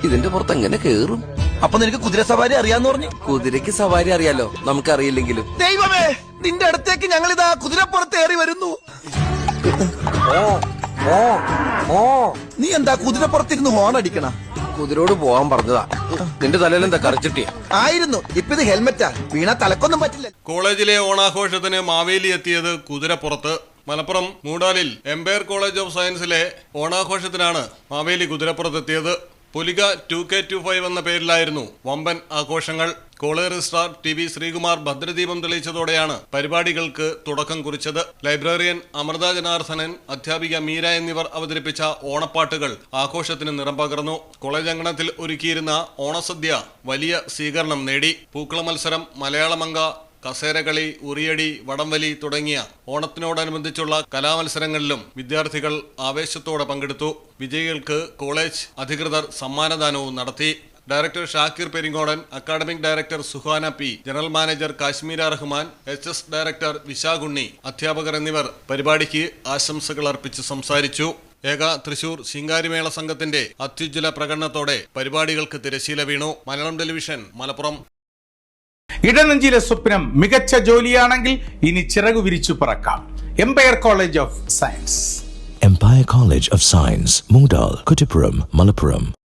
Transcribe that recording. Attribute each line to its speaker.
Speaker 1: ഇതിന്റെ പുറത്ത് എങ്ങനെ കേറും?
Speaker 2: അപ്പൊ നിനക്ക് കുതിര സവാരി അറിയാന്ന് പറഞ്ഞു?
Speaker 1: കുതിരക്ക് സവാരി അറിയാലോ, നമുക്കറിയില്ലെങ്കിലും.
Speaker 2: ദൈവമേ, നിന്റെ അടുത്തേക്ക് ഞങ്ങൾ ഇതാ കുതിരപ്പുറത്ത് ഏറി വരുന്നു. നീ എന്താ കുതിരപ്പുറത്തിരുന്ന് ഹോൺ അടിക്കണ?
Speaker 1: കുതിരോട് പോവാൻ പറഞ്ഞതാ. നിന്റെ തലയിൽ എന്താ കറച്ചിട്ടിയ?
Speaker 2: ആയിരുന്നു. ഇപ്പൊ ഇത് ഹെൽമെറ്റാ, വീണ തലക്കൊന്നും പറ്റില്ല.
Speaker 3: കോളേജിലെ ഓണാഘോഷത്തിന് മാവേലി എത്തിയത് കുതിരപ്പുറത്ത്. മലപ്പുറം മൂടാലിൽ എംപയർ കോളേജ് ഓഫ് സയൻസിലെ ഓണാഘോഷത്തിനാണ് മാവേലി കുതിരപ്പുറത്തെത്തിയത്. പുലിക 2K25 എന്ന പേരിലായിരുന്നു വമ്പൻ ആഘോഷങ്ങൾ. കോളേജ് രജിസ്ട്രാർ TV ശ്രീകുമാർ ഭദ്രദീപം തെളിയിച്ചതോടെയാണ് പരിപാടികൾക്ക് തുടക്കം കുറിച്ചത്. ലൈബ്രറിയൻ അമൃത ജനാർദ്ദനൻ, അധ്യാപിക മീര എന്നിവർ അവതരിപ്പിച്ച ഓണപ്പാട്ടുകൾ ആഘോഷത്തിന് നിറം പകർന്നു. കോളേജ് അങ്കണത്തിൽ ഒരുക്കിയിരുന്ന ഓണസദ്യ വലിയ സ്വീകരണം നേടി. പൂക്കള മത്സരം, മലയാളമങ്ക, കസേരകളി, ഉറിയടി, വടംവലി തുടങ്ങിയ ഓണത്തിനോടനുബന്ധിച്ചുള്ള കലാമത്സരങ്ങളിലും വിദ്യാർത്ഥികൾ ആവേശത്തോടെ പങ്കെടുത്തു. വിജയികൾക്ക് കോളേജ് അധികൃതർ സമ്മാനദാനവും നടത്തി. Director Shakir Peringodan, academic director Suhana P, general manager Kashmira Rahman, HS director Vishakhunni, അധ്യാപകർ എന്നിവർ പരിപാടിക്ക് ആശംസകൾ അർപ്പിച്ച് സംസാരിച്ചു. ഏക തൃശൂർ ശിങ്കാരിമേള സംഘത്തിന്റെ അത്യുജ്വല പ്രകടനത്തോടെ പരിപാടികൾക്ക് തിരശീല വീണു. മലയാളം ടെലിവിഷൻ, മലപ്പുറം.
Speaker 4: ഇടനെഞ്ചിലെ സ്വപ്നം മികച്ച ജോലിയാണെങ്കിൽ ഇനി ചിറകു വിരിച്ചു പറക്കാം. Empire College of Science.
Speaker 5: Empire College of Science, Moondal, Kuttipuram, Malappuram.